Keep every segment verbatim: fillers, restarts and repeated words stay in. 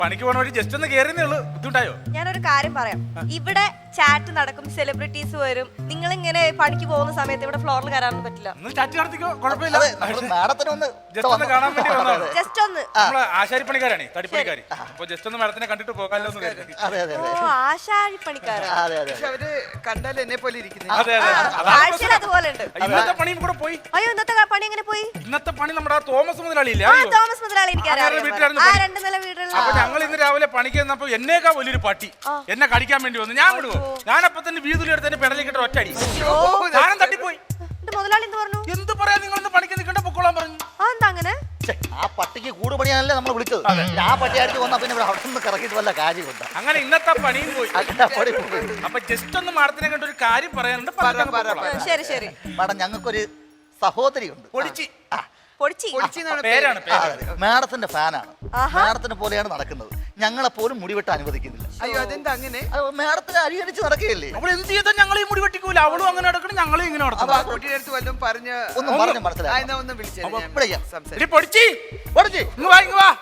പണിക്ക് പോണ വഴി ജസ്റ്റ് ഒന്ന് കേറിയേ ഉള്ളൂ. ബുദ്ധിമുട്ടായോ? ഞാനൊരു കാര്യം പറയാം. ഇവിടെ ചാറ്റ് നടക്കും, സെലിബ്രിറ്റീസ് വരും. നിങ്ങൾ ഇങ്ങനെ പണിക്ക് പോകുന്ന സമയത്ത് ഇവിടെ ഫ്ലോറിൽ കയറാനൊന്നും പറ്റില്ല. ഒന്ന് ചാറ്റ് നടത്തിക്കോ, കുഴപ്പമില്ല. ജസ്റ്റ് ഒന്ന് കാണാൻ വേണ്ടി വന്നതാണ്. ജസ്റ്റ് ഒന്ന്. നമ്മള് ആശാരിപ്പണിക്കാരാണ്, തടിപ്പണിക്കാര്. അപ്പൊ ജസ്റ്റ് ഒന്ന് മാഡത്തിനെ കണ്ടിട്ട് പോകാമല്ലോ എന്ന് കരുതി. ഓ, ആശാരിപ്പണിക്കാരൻ. പക്ഷെ അവര് കണ്ടാൽ എന്നെ പോലെ ഇരിക്കുന്നു. അതെ അതെ, ആഴ്ചയിൽ അതുപോലെ ഉണ്ട്. ഇന്നത്തെ പണിയും കൂടെ പോയി. അയ്യോ, ഇന്നത്തെ പണി എങ്ങനെ പോയി? ഇന്നത്തെ പണി നമ്മുടെ ആ തോമസ് മുതലാളിയില്ലേ, ആ, അറിയോ? തോമസ് മുതലാളി എനിക്കറിയാം. വീട്ടിലായിരുന്നു ആ പണി. രണ്ട് നില വീടുള്ള. അപ്പൊ ഞങ്ങൾ ഇന്ന് രാവിലെ പണിക്ക് ചെന്നപ്പോ എന്നേക്കാ വലിയൊരു പട്ടി എന്നെ കടിക്കാൻ വേണ്ടി വന്നു. ഞാൻ വിടുവോ? ഞാനപ്പൊ തന്നെ വീതിലെടുത്ത് തന്നെ പെടലിക്കിട്ട് ഒറ്റടി സാധനം തട്ടിപ്പോയി. മുതലാളി എന്ത് പറഞ്ഞു? എന്ത് പറയാ, നിങ്ങളൊന്ന് പണിക്ക് നിൽക്കണ്ട, പൊക്കോളാൻ പറഞ്ഞു. അതെന്താ അങ്ങനെ? ആ പട്ടിക്ക് കൂട് പണിയാനല്ലേ നമ്മൾ വിളിച്ചത്. ആ പട്ടി അടിച്ച് വന്നാ പിന്നെ അവിടെ നിന്ന് കറക്കിയിട്ട് വല്ല കാര്യമുണ്ട്. അങ്ങനെ ഇന്നത്തെ പണിയും പോയി. പണി പോയി. അപ്പൊ ജസ്റ്റ് ഒന്ന് മാഡത്തിനെ കണ്ട ഒരു കാര്യം പറയാനുണ്ട്. പറഞ്ഞിട്ട് പൊക്കോളാം. ശരി ശരി. മാഡം, ഞങ്ങൾക്കൊരു സഹോദരിയുണ്ട്. പൊടിച്ചി. പൊടിച്ചി. പേരാണ് പേര്. മാഡത്തിന്റെ ഫാനാണ്. മാഡത്തിനെ പോലെയാണ് നടക്കുന്നത്. ഞങ്ങളെ പോലും മുടിവെട്ട് അനുവദിക്കുന്നില്ല. അയ്യോ, അതെന്താ അങ്ങനെ? അത് മാഡത്തിന് അരിയടിച്ച് നടക്കുകയല്ലേ. അവൾ എന്ത് ചെയ്താൽ ഞങ്ങളെ മുടി വെട്ടിക്കൂല. അവളും അങ്ങനെ നടക്കണം, ഞങ്ങളും ഇങ്ങനെ അപ്പൊ ആ നടക്കണം. കുട്ടിയുടെ അടുത്ത് വല്ലതും പറഞ്ഞ് ഒന്നും പറഞ്ഞ് മനസ്സിലായി. എന്നാ ഒന്ന് വിളിച്ചേ, അപ്പൊ ഞാൻ വിളിക്കാം. സംസാരിക്കാം. ഇനി പൊടിച്ചി പൊടിച്ചി, ഇങ്ങ് വാ, ഇങ്ങ് വാ.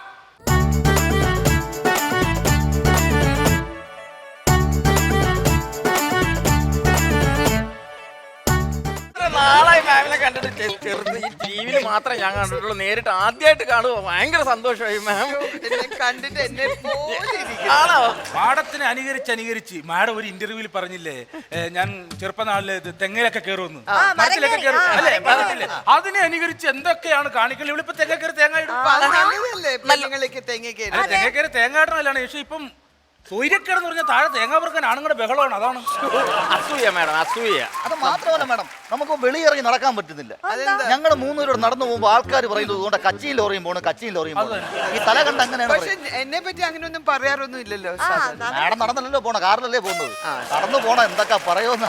നാളായി മാമിനെ കണ്ടിട്ട് ചെറുത് ഈ ടി വിയിൽ മാത്രമേ ഞാൻ കണ്ടിട്ടുള്ളൂ. നേരിട്ട് ആദ്യമായിട്ട് കാണുക ഭയങ്കര സന്തോഷമായി മാം. എന്നെ കണ്ടിട്ട് എന്നെ പോലെ ഇരിക്കുന്നു. ആണോ? മാഡത്തിനെ അനുകരിച്ച് അനുകരിച്ച് മാഡം ഒരു ഇന്റർവ്യൂവിൽ പറഞ്ഞില്ലേ, ഏ, ഞാൻ ചെറുപ്പനാളില് ഇത് തെങ്ങയിലൊക്കെ കയറുമെന്ന്, മരത്തിലൊക്കെ കയറും അല്ലേ, പറഞ്ഞില്ലേ? അതിനെ അനുകരിച്ച് എന്തൊക്കെയാണ് കാണിക്കൽ. ഇവളിപ്പോ തെങ്ങ കയറി തേങ്ങ ഇടും. അപ്പൊ അത് നല്ലതല്ലേ, പെണ്ണുങ്ങളൊക്കെ തെങ്ങ കയറി. തെങ്ങ കയറി തേങ്ങ ഇടണല്ലാണ്. പക്ഷെ ഇപ്പം സൂര്യക്കേടെന്ന് പറഞ്ഞാൽ താഴെ തേങ്ങ പറക്കാൻ ആണുങ്ങളുടെ ബഹളമാണ്. അതാണ് അസൂയ മാഡം, അസൂയ. അത് മാത്രമല്ല മാഡം, നമുക്ക് വെളിയിറങ്ങി നടക്കാൻ പറ്റുന്നില്ല. ഞങ്ങൾ മൂന്നുപേരോട് നടന്നു പോകുമ്പോൾ ആൾക്കാർ പറയുന്നത് കൊണ്ട് കച്ചിയിൽ ലോറിയും പോകണം, കച്ചിയിൽ ലോറിയും പോകണം. ഈ തല കണ്ട് അങ്ങനെയാണ് പക്ഷെ എന്നെ പറ്റി അങ്ങനെയൊന്നും പറയാറൊന്നും ഇല്ലല്ലോ. മാഡം നടന്നല്ലോ പോണ, കാറിലല്ലേ പോകുന്നത്. നടന്നു പോണ എന്തൊക്കെ പറയുമെന്ന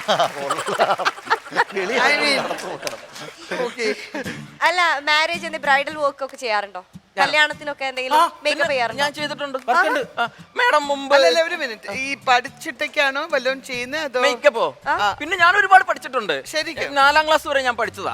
അല്ല, മാരേജ് ബ്രൈഡൽ വർക്ക് ഒക്കെ ചെയ്യാറുണ്ടോ? കല്യാണത്തിനൊക്കെ എന്തെങ്കിലും മേക്കപ്പ് ചെയ്യാറുണ്ടോ? ഞാൻ ചെയ്തിട്ടുണ്ട് മാഡം മുമ്പ്. അല്ലല്ല, ഒരു മിനിറ്റ്. ഈ പഠിച്ചിട്ടൊക്കെയാണോ വല്ലതും ചെയ്യുന്നത് അതോ മേക്കപ്പോ? പിന്നെ ഞാൻ ഒരുപാട് പഠിച്ചിട്ടുണ്ട്. ശരിക്കും നാലാം ക്ലാസ് വരെ ഞാൻ പഠിച്ചതാ.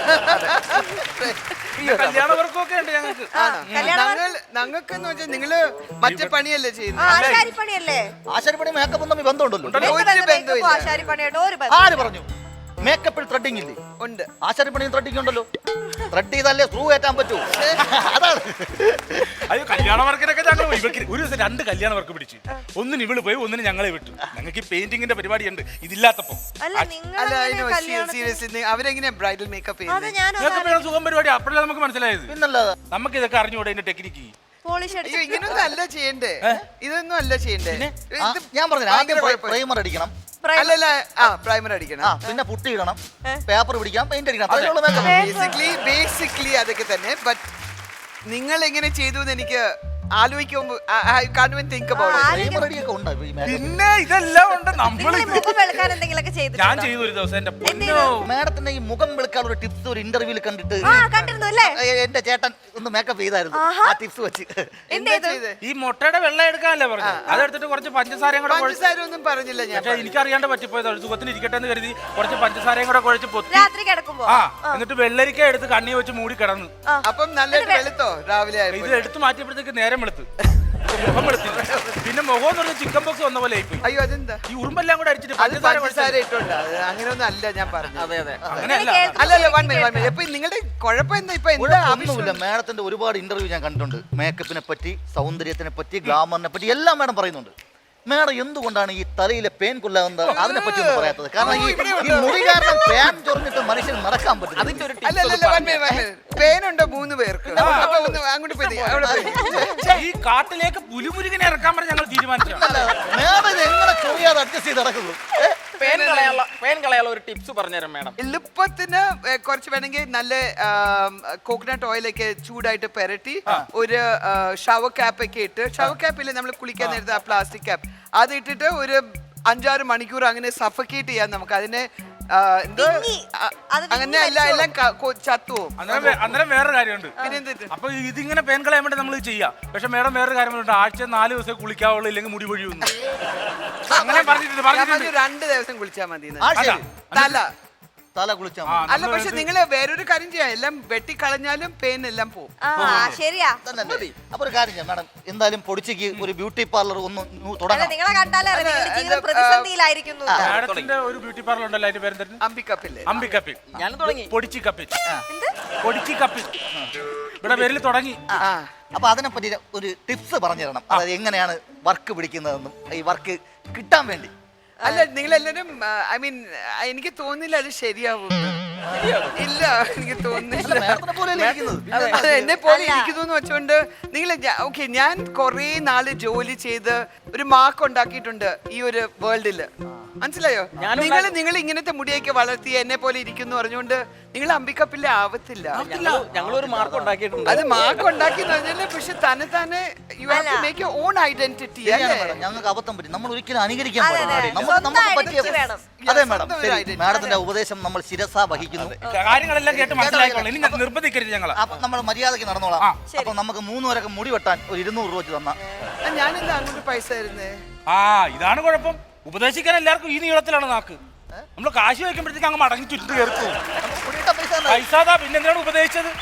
കല്യാണ വർക്കൊക്കെ ഉണ്ട് ഞങ്ങൾക്ക്. ഞങ്ങൾക്ക് എന്ന് വെച്ചാൽ നിങ്ങള് മറ്റേ പണിയല്ലേ ചെയ്യുന്നത്? ആശാരിപ്പണിയല്ലേ? ആശാരിപ്പണി മേക്കപ്പും തമ്മിൽ ബന്ധമുണ്ടല്ലോ. ആശാരിപ്പണിയായിട്ട് ഒരു ബന്ധം. ആര് പറഞ്ഞു? മേക്കപ്പിൽ ത്രെഡിങ് ഇല്ലേ? ഉണ്ട്. ആശാരിപ്പണിയും ത്രെഡിങ് ഉണ്ടല്ലോ. ത്രെഡ് ചെയ്താലേ സ്ക്രൂ കയറ്റാൻ പറ്റൂ. അതാണ്. അയ്യോ, കല്യാണ വർക്കിനൊക്കെ ഞങ്ങൾ പോയി. ഇവർക്ക് ഒരു ദിവസം രണ്ട് കല്യാണ വർക്ക് പിടിച്ചു. ഒന്നിന് ഇവള് പോയി, ഒന്നിന് ഞങ്ങളെ വിട്ടു. ഞങ്ങൾക്ക് ഈ പെയിന്റിങ്ങിന്റെ പരിപാടിയുണ്ട് ഇതില്ലാത്തപ്പോ. അല്ല, നിങ്ങൾ അല്ല, സീരിയസ്ലി അവരെങ്ങനെയാ ബ്രൈഡൽ മേക്കപ്പ് ചെയ്യുന്നത്? ഞങ്ങൾക്ക് സുഖം പരിപാടി. അപ്പോഴല്ലേ നമുക്ക് മനസ്സിലായത്. പിന്നല്ലാതെ നമുക്ക് ഇതൊക്കെ അറിഞ്ഞുകൂടെ ഇതിന്റെ ടെക്നിക്ക്. പോളിഷ് അയ്യോ, ഇങ്ങനൊന്നും അല്ല ചെയ്യണ്ടേ. ഇതൊന്നും അല്ല ചെയ്യണ്ടേ. ആ, ഞാൻ പറഞ്ഞു ആദ്യം പ്രൈമർ അടിക്കണം. അല്ലല്ല, ആ പ്രൈമർ അടിക്കണം. ആ, പിന്നെ പുട്ടി ഇടണം, പേപ്പർ പിടിക്കണം, പെയിന്റ് അടിക്കണം. അതിനുള്ള മേക്കപ്പ്. ബേസിക്കലി ബേസിക്കലി അതൊക്കെ തന്നെ. ബട്ട് നിങ്ങൾ എങ്ങനെ ചെയ്തു എന്ന് എനിക്ക് ആലോചിക്കുമ്പോൾ പ്രൈമർ അടിയൊക്കെ ഉണ്ട് ഈ മേക്കപ്പ്. പിന്നെ ഇതെല്ലാം ഉണ്ട്. നമ്മൾ മുഖം വെളുക്കാൻ എന്തെങ്കിലുമൊക്കെ ചെയ്തു. ഞാൻ ചെയ്തു ഒരു ദിവസം. എന്റെ പൊന്നോ, മാഡത്തിന്റെ ഈ മുഖം വെളുക്കാൻ ഒരു ടിപ്സ് ഒരു ഇന്റർവ്യൂവിൽ കണ്ടിട്ട് ആ, കണ്ടിരുന്നു അല്ലേ? ഏ, എന്റെ ചേട്ടൻ ഒന്ന് മേക്കപ്പ് ചെയ്തായിരുന്നു. ആ ടിപ്സ് വെച്ച്. എന്താ ചെയ്ത്? ഈ മുട്ടയുടെ വെള്ളം എടുക്കാനല്ലേ പറഞ്ഞു. അതെടുത്തിട്ട് കുറച്ച് പഞ്ചസാരയും കൂടെ കുഴച്ച്. പഞ്ചസാര ഒന്നും പറഞ്ഞില്ല ഞാൻ. പക്ഷേ എനിക്കറിയാണ്ട് പറ്റിപ്പോയത്. സുഖത്തിന് ഇരിക്കട്ടെ എന്ന് കരുതി കുറച്ച് പഞ്ചസാരയും കൂടെ കുഴച്ച് പൊത്തി. രാത്രി കിടക്കുമ്പോ ആ, എന്നിട്ട് വെള്ളരിക്ക എടുത്ത് കണ്ണി വെച്ച് മൂടി കിടന്നു. അപ്പം നല്ലതായിട്ട് വെളുത്തോ രാവിലെ? ഇത് എടുത്ത് മാറ്റിയപ്പോഴത്തേക്ക് നേരം വെളുത്ത്, മുഖം വെളുത്തു. പിന്നെ മുഖം എന്ന് പറഞ്ഞാൽ ചിക്കൻ ബോക്സ് വന്ന പോലെ ആയിപ്പോയി. അയ്യോ, അതെന്താ? ഈ ഉറുമ്പെല്ലാം കൂടെ അടിച്ചിട്ട് അത് പഞ്ചസാര പഞ്ചസാര ഇട്ടുണ്ട്. അങ്ങനെയൊന്നും അല്ല ഞാൻ പറഞ്ഞത്. അതെ അതെ, അങ്ങനെയല്ല. അല്ലല്ല, വൺ മിനിറ്റ് വൺ മിനിറ്റ്. അപ്പൊ നിങ്ങളുടെ കുഴപ്പം എന്താ? ഇപ്പൊ എന്താ ഒന്നുമില്ല. മാഡത്തിന്റെ ഒരുപാട് ഇന്റർവ്യൂ ഞാൻ കണ്ടിട്ടുണ്ട്. മേക്കപ്പിനെ പറ്റി, സൗന്ദര്യത്തിനെ പറ്റി, ഗ്ലാമറിനെ പറ്റി എല്ലാം മാഡം പറയുന്നുണ്ട്. മാഡം എന്തുകൊണ്ടാണ് ഈ തലയിലെ പേൻ കൊല്ലാവുന്നത് അതിനെ പറ്റി ഒന്നും പറയാത്തത്? കാരണം ഈ ഈ മുടി കാരണം പേൻ ചൊറിഞ്ഞിട്ട് മനുഷ്യന് നടക്കാൻ പറ്റും. അതിന്റെ ഒരു അല്ലല്ല, വൺ മിനിറ്റ് വൺ മിനിറ്റ്. പേനുണ്ടോ മൂന്ന് പേർക്ക്? അപ്പൊ ഒന്ന് അങ്ങോട്ട് പോയി അവിടെ പോയി. ഈ കാട്ടിലേക്ക് പുലിമുരുകനെ ഇറക്കാൻ പറഞ്ഞ് ഞങ്ങൾ തീരുമാനിച്ചു. മാഡം ഇത് എങ്ങനെ ചൊറിയാതെ അഡ്ജസ്റ്റ് ചെയ്ത് നടക്കുന്നു? പേൻ കളയാനുള്ള പേൻ കളയാനുള്ള ഒരു ടിപ്സ് പറഞ്ഞുതരാം മാഡം. എളുപ്പത്തിന് കുറച്ച് വേണമെങ്കിൽ നല്ല കോക്കനട്ട് ഓയിലൊക്കെ ചൂടായിട്ട് പെരട്ടി ഒരു ഷവർ ക്യാപ്പ് ഒക്കെ ഇട്ട്, ഷവർ ക്യാപ്പില്ലേ നമ്മൾ കുളിക്കാൻ നേരത്തെ ആ പ്ലാസ്റ്റിക് ക്യാപ്പ്, അത് ഇട്ടിട്ട് ഒരു അഞ്ചാറ് മണിക്കൂർ അങ്ങനെ സഫക്കേറ്റ് ചെയ്യാൻ നമുക്ക്. അതിനെ എന്തോ അങ്ങനെ എല്ലാം എല്ലാം ചത്തുവും. അന്നേരം വേറെ കാര്യമുണ്ട്. അപ്പൊ ഇതിങ്ങനെ പേൻ കളയാൻ വേണ്ടി നമ്മൾ ചെയ്യാം. പക്ഷെ മേഡം വേറെ കാര്യങ്ങളുണ്ട്. ആഴ്ച നാല് ദിവസം കുളിക്കാവുള്ളൂ, ഇല്ലെങ്കിൽ മുടി പൊഴിയുന്നു. അങ്ങനെ പറഞ്ഞിട്ടുണ്ട്. രണ്ട് ദിവസം കുളിച്ചാൽ മതി. തല തല കുളിച്ചാൽ ആ, അല്ല പക്ഷെ നിങ്ങൾ വേറൊരു കാര്യം ചെയ്യാം, എല്ലാം വെട്ടിക്കളഞ്ഞാലും പെയിൻ എല്ലാം പോകും. ആ ശരിയാ. അപ്പൊ ഒരു കാര്യം ചെയ്യാം മാഡം, എന്തായാലും പൊടിച്ചിക്ക് ഒരു ബ്യൂട്ടി പാർലർ ഒന്ന് അല്ല തുടങ്ങാം. നിങ്ങളെ കണ്ടാലേ അറിയാം നിങ്ങളുടെ ജീവിതം പ്രതിസന്ധിയിലായിരിക്കുന്നു. മാഡത്തിന്റെ ഒരു ബ്യൂട്ടി പാർലർ ഉണ്ടല്ലോ, അതിന്റെ പേരെന്തായിരുന്നു? അമ്പിക്കപ്പില്ലേ? അമ്പിക്കപ്പിൽ. ഞാൻ തുടങ്ങി. പൊടിച്ചി കപ്പിൽ. പൊടിച്ചി കപ്പിൽ. ഇവിടെ പേരിൽ തുടങ്ങി. ആ അപ്പൊ അതിനെപ്പറ്റി ഒരു ടിപ്സ് പറഞ്ഞു തരണം, അതായത് എങ്ങനെയാണ് വർക്ക് പിടിക്കുന്നതെന്നും ഈ വർക്ക് കിട്ടാൻ വേണ്ടി. അല്ല നിങ്ങൾ എല്ലാരും ഐ മീൻ എനിക്ക് തോന്നില്ല അത് ശരിയാവും. ഇല്ല എനിക്ക് തോന്നുന്നില്ല. മാഡത്തിനെ പോലെയല്ലേ ഇരിക്കുന്നത്? അത് എന്നെ പോലെ ഇരിക്കുന്നു എന്ന് വെച്ചോണ്ട് നിങ്ങൾ ഓക്കെ, ഞാൻ കൊറേ നാള് ജോലി ചെയ്ത് ഒരു മാർക്ക് ഉണ്ടാക്കിയിട്ടുണ്ട് ഈ ഒരു വേൾഡില്, മനസ്സിലായോ? നിങ്ങൾ നിങ്ങൾ ഇങ്ങനത്തെ മുടിയൊക്കെ വളർത്തി എന്നെ പോലെ ഇരിക്കുന്നു പറഞ്ഞുകൊണ്ട് നിങ്ങൾ അമ്പിക്കപ്പില്ലേ ആവത്തില്ല. ഞങ്ങൾ ഒരു മാർക്ക് ഉണ്ടാക്കിയിട്ടുണ്ട്. അത് മാർക്ക് ഉണ്ടാക്കി എന്ന് പറഞ്ഞാല് പക്ഷെ തന്നെ തന്നെ you have to make your own identity. ശരിയാണ് മാഡം, ഞങ്ങൾക്ക് അബദ്ധം പറ്റി, നമ്മൾ ഒരിക്കലും അനുകരിക്കാൻ അതെ, പാടില്ല. അതെ. നമുക്ക് നമുക്ക് സ്വന്തം പറ്റിയ identity വേണം. അതെ മാഡം, സ്വന്തം ഒരു ശരി. identity. മാഡത്തിന്റെ ഉപദേശം നമ്മൾ ശിരസ വഹിക്കുന്നു. കാര്യങ്ങളെല്ലാം കേട്ട് മനസ്സിലായിക്കോളാം. ഇനി ഞാൻ നിർബന്ധിക്കരുത് ഞങ്ങളെ. അപ്പൊ നമ്മൾ മര്യാദയ്ക്ക് നടന്നോളാം. ആ. അപ്പൊ നമുക്ക് മൂന്ന് പേരൊക്കെ മുടി വെട്ടാൻ ഒരു ഇരുന്നൂറ് രൂപ വെച്ച് തന്ന ഞാനെന്താ അങ്ങോട്ട് പൈസ തരുന്നേ? ആ ഇതാണ് കുഴപ്പം. ഉപദേശിക്കാൻ എല്ലാവർക്കും ഈ നീളത്തിലാണ് നാക്ക്. നമ്മൾ കാശ് വയ്ക്കുമ്പോഴത്തേക്ക് അങ്ങ് മടങ്ങി ചുറ്റു കയറി പോകും. മുടിയിട്ട പൈസ പൈസ പിന്നെ എന്തിനാണ് ഉപദേശിച്ചത്?